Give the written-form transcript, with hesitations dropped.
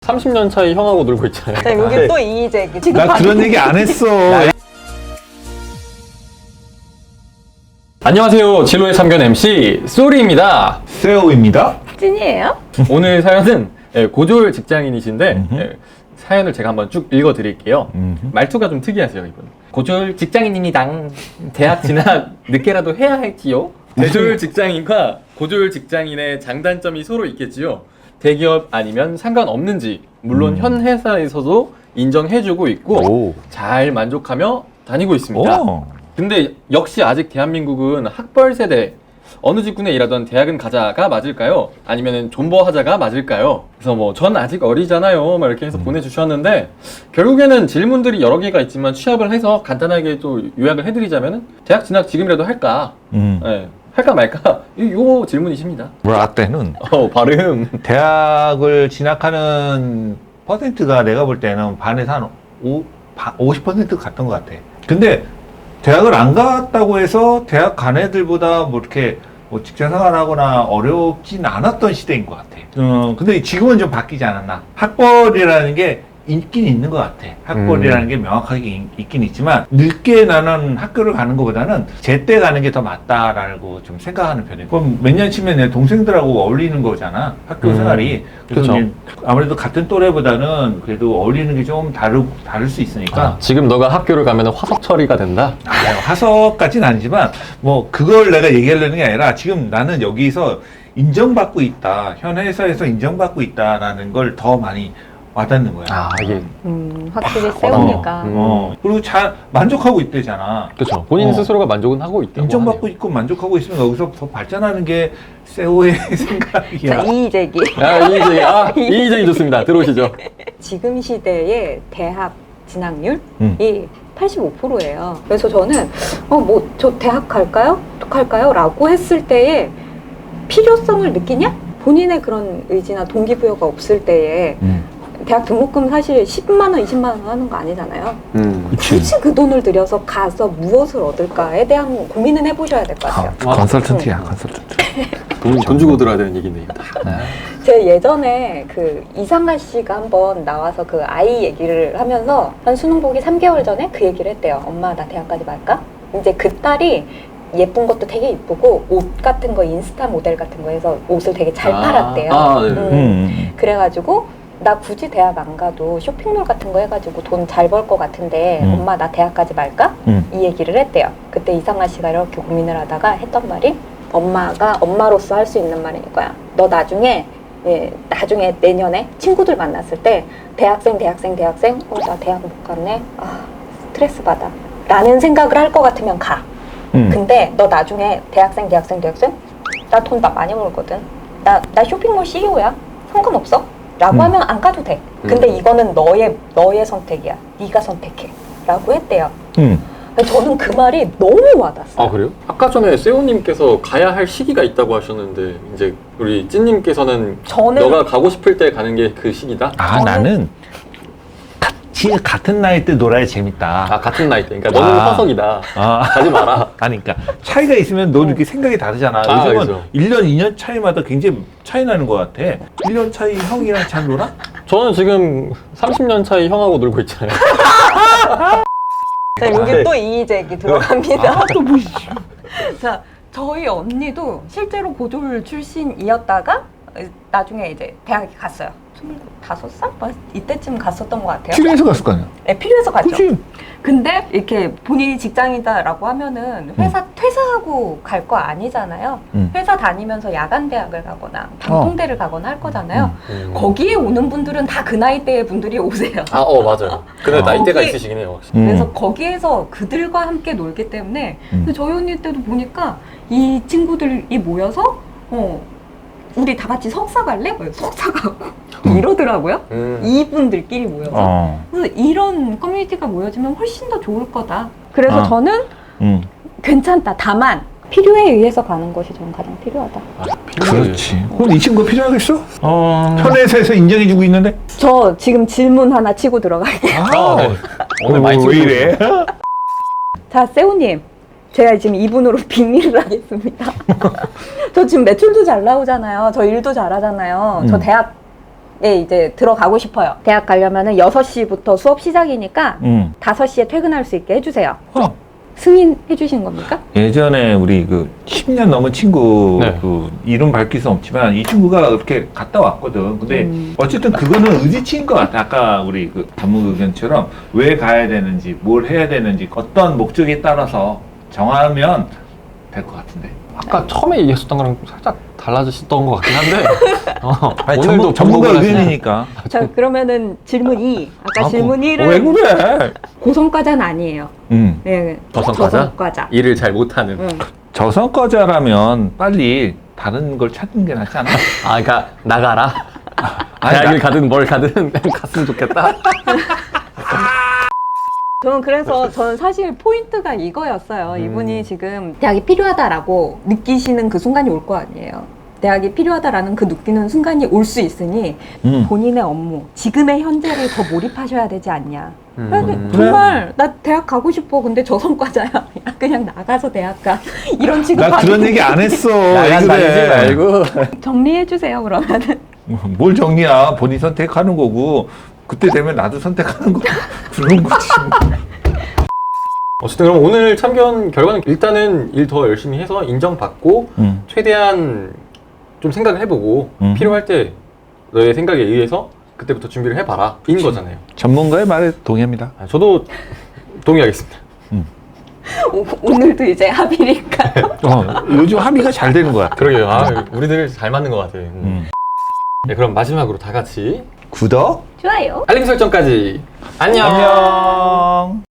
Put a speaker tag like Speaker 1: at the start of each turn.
Speaker 1: 30년 차이 형하고 놀고 있잖아요.
Speaker 2: 자, 여기 또 이의제기. 지금
Speaker 3: 나 그런 얘기 안 했어.
Speaker 1: 안녕하세요. 진로의 참견 MC 쏘리입니다.
Speaker 3: 세오입니다.
Speaker 2: 찐이에요?
Speaker 1: 오늘 사연은 고졸 직장인이신데 사연을 제가 한번 쭉 읽어드릴게요. 말투가 좀 특이하세요, 이분. 고졸 직장인입니다. 대학 진학 늦게라도 해야 할지요? 대졸 직장인과 고졸 직장인의 장단점이 서로 있겠지요. 대기업 아니면 상관없는지 물론 현 회사에서도 인정해주고 있고 잘 만족하며 다니고 있습니다. 근데 역시 아직 대한민국은 학벌 세대, 어느 직군에 일하던 대학은 가자가 맞을까요? 아니면 존버하자가 맞을까요? 그래서 뭐 전 아직 어리잖아요 막 이렇게 해서 보내주셨는데, 결국에는 질문들이 여러 개가 있지만 취합을 해서 간단하게 또 요약을 해드리자면은 대학 진학 지금이라도 할까? 네, 할까 말까? 요 질문이십니다.
Speaker 3: 나 때는
Speaker 1: 발음.
Speaker 3: 대학을 진학하는 퍼센트가 내가 볼 때는 반에서 한 50% 갔던 것 같아. 근데 대학을 안 갔다고 해서 대학 간 애들보다 뭐 이렇게 뭐 직장 생활하거나 어렵진 않았던 시대인 것 같아. 근데 지금은 좀 바뀌지 않았나. 학벌이라는 게 있긴 있는 것 같아. 학벌이라는 게 명확하게 있긴 있지만 늦게 나는 학교를 가는 것보다는 제때 가는 게 더 맞다라고 좀 생각하는 편이에요. 그럼 몇 년 치면 내 동생들하고 어울리는 거잖아, 학교 생활이. 그래서 아무래도 같은 또래보다는 그래도 어울리는 게 좀 다를 수 있으니까.
Speaker 1: 지금 너가 학교를 가면 화석 처리가 된다?
Speaker 3: 화석까지는 아니지만 뭐 그걸 내가 얘기하려는 게 아니라 지금 나는 여기서 인정받고 있다, 현 회사에서 인정받고 있다라는 걸 더 많이 와닿는 거야.
Speaker 1: 이게.
Speaker 2: 확실히 세우니까.
Speaker 3: 그리고 잘 만족하고 있대잖아.
Speaker 1: 그렇죠. 본인 스스로가 만족은 하고 있다고
Speaker 3: 인정받고
Speaker 1: 하네요.
Speaker 3: 있고 만족하고 있으면 여기서 더 발전하는 게 세오의
Speaker 2: 자,
Speaker 3: 생각이야.
Speaker 2: 이의제기.
Speaker 1: 이의제기 좋습니다. 들어오시죠.
Speaker 2: 지금 시대의 대학 진학률이 85%예요. 그래서 저는 뭐 저 대학 갈까요? 라고 했을 때에 필요성을 느끼냐? 본인의 그런 의지나 동기부여가 없을 때에 대학 등록금 사실 10만 원, 20만 원 하는 거 아니잖아요. 굳이 그 돈을 들여서 가서 무엇을 얻을까에 대한 고민은 해보셔야 될 것 같아요.
Speaker 3: 컨설턴트야, 컨설턴트.
Speaker 1: 돈 주고 들어야 되는 얘기네요.
Speaker 2: 제 예전에 그 이상가 씨가 한번 나와서 그 아이 얘기를 하면서 한 수능 보기 3개월 전에 그 얘기를 했대요. 엄마 나 대학까지 갈까? 이제 그 딸이 예쁜 것도 되게 이쁘고 옷 같은 거 인스타 모델 같은 거 해서 옷을 되게 잘 팔았대요. 그래가지고 나 굳이 대학 안 가도 쇼핑몰 같은 거 해가지고 돈 잘 벌 것 같은데 엄마 나 대학까지 말까? 이 얘기를 했대요. 그때 이상아 씨가 이렇게 고민을 하다가 했던 말이, 엄마가 엄마로서 할 수 있는 말인 거야. 너 나중에 내년에 친구들 만났을 때 대학생 나 대학 못 갔네, 스트레스 받아 라는 생각을 할 것 같으면 가. 근데 너 나중에 대학생 나 돈 많이 벌거든, 나 쇼핑몰 CEO야, 상관없어 라고 하면 안 가도 돼. 근데 이거는 너의 선택이야, 네가 선택해 라고 했대요. 저는 그 말이 너무 와닿았어요.
Speaker 1: 그래요? 아까 전에 세호님께서 가야 할 시기가 있다고 하셨는데, 이제 우리 찐님께서는 너가 가고 싶을 때 가는 게 그 시기다?
Speaker 3: 나는 같은 나이 때 놀아야 재밌다.
Speaker 1: 같은 나이 때. 그러니까 너는 화석이다. 가지 마라.
Speaker 3: 그러니까 차이가 있으면 너 이렇게 생각이 다르잖아. 요즘은
Speaker 1: 그렇죠.
Speaker 3: 1년, 2년 차이마다 굉장히 차이 나는 것 같아. 1년 차이 형이랑 잘 놀아?
Speaker 1: 저는 지금 30년 차이 형하고 놀고 있잖아요.
Speaker 2: 자, 여기 또 이의제기 들어갑니다.
Speaker 3: 또 뭐.
Speaker 2: 자, 저희 언니도 실제로 고졸 출신이었다가 나중에 이제 대학에 갔어요. 25살? 이때쯤 갔었던 것 같아요.
Speaker 3: 필요해서 갔을 거 아니야?
Speaker 2: 네, 필요해서 갔죠.
Speaker 3: 그치?
Speaker 2: 근데 이렇게 본인이 직장이다라고 하면은 퇴사하고 갈 거 아니잖아요. 회사 다니면서 야간 대학을 가거나 방통대를 가거나 할 거잖아요. 거기에 오는 분들은 다 그 나이대의 분들이 오세요.
Speaker 1: 맞아요. 근데 나이대가 있으시긴 해요, 확실히.
Speaker 2: 그래서 거기에서 그들과 함께 놀기 때문에 근데 저희 언니 때도 보니까 이 친구들이 모여서 우리 다 같이 석사 갈래? 석사 가고 이러더라고요. 이분들끼리 모여서. 그래서 이런 커뮤니티가 모여지면 훨씬 더 좋을 거다. 그래서 저는 괜찮다. 다만 필요에 의해서 가는 것이 저는 가장 필요하다.
Speaker 3: 그렇지. 그럼 이 친구가 필요하겠어? 현 회사에서 인정해주고 있는데?
Speaker 2: 저 지금 질문 하나 치고 들어갈게요.
Speaker 1: 오늘 많이
Speaker 3: 왜 이래?
Speaker 2: 자, 세호님. 제가 지금 이분으로 빙의를 하겠습니다. 저 지금 매출도 잘 나오잖아요. 저 일도 잘하잖아요. 저 대학 이제 들어가고 싶어요. 대학 가려면은 6시부터 수업 시작이니까 5시에 퇴근할 수 있게 해주세요. 승인해 주시는 겁니까?
Speaker 3: 예전에 우리 그 10년 넘은 친구
Speaker 1: 네.
Speaker 3: 그 이름 밝힐 수 없지만 이 친구가 그렇게 갔다 왔거든. 근데 어쨌든 그거는 의지치인 것 같아. 아까 우리 그 전문 의견처럼 왜 가야 되는지, 뭘 해야 되는지, 어떤 목적에 따라서 정하면 될 것 같은데.
Speaker 1: 아까 처음에 얘기했었던 거랑 살짝 달라지셨던 것 같긴 한데
Speaker 3: 아니,
Speaker 1: 오늘도
Speaker 3: 전문가
Speaker 1: 반복을 하시네.
Speaker 3: 의견이니까.
Speaker 2: 자, 그러면 질문 2. 아까 질문 1은
Speaker 3: 왜 그래?
Speaker 2: 고성과자는 아니에요. 네,
Speaker 1: 저성과자?
Speaker 2: 저성과자.
Speaker 1: 일을 잘 못하는.
Speaker 3: 저성과자라면 빨리 다른 걸 찾는 게 낫지 않아?
Speaker 1: 아, 그러니까 나가라.
Speaker 3: 아니,
Speaker 1: 대학을 가든 뭘 가든 갔으면 좋겠다.
Speaker 2: 저는 사실 포인트가 이거였어요. 이분이 지금 대학이 필요하다라고 느끼시는 그 순간이 올 거 아니에요. 대학이 필요하다라는 그 느끼는 순간이 올 수 있으니 본인의 업무, 지금의 현재를 더 몰입하셔야 되지 않냐. 정말 나 대학 가고 싶어. 근데 저성과자야. 야, 그냥 나가서 대학 가. 이런 취급
Speaker 3: 나 그런 얘기 안 했어.
Speaker 1: 나간
Speaker 3: 왜
Speaker 1: 다니지
Speaker 3: 그래?
Speaker 1: 말고.
Speaker 2: 정리해 주세요. 그러면은
Speaker 3: 뭘 정리야? 본인 선택하는 거고 그때 되면 나도 선택하는 거 그런 거지.
Speaker 1: 어쨌든 그럼 오늘 참견 결과는 일단은 일 더 열심히 해서 인정받고 최대한 좀 생각을 해보고 필요할 때 너의 생각에 의해서 그때부터 준비를 해봐라 인 거잖아요.
Speaker 3: 전문가의 말에 동의합니다.
Speaker 1: 저도 동의하겠습니다.
Speaker 2: 오늘도 이제 합의니까.
Speaker 3: 요즘 합의가 잘 되는 것 같아.
Speaker 1: 그러게요. 아, 우리들 잘 맞는 것 같아요. 네, 그럼 마지막으로 다 같이
Speaker 3: 구독,
Speaker 2: 좋아요.
Speaker 1: 알림 설정까지 안녕.
Speaker 3: 안녕.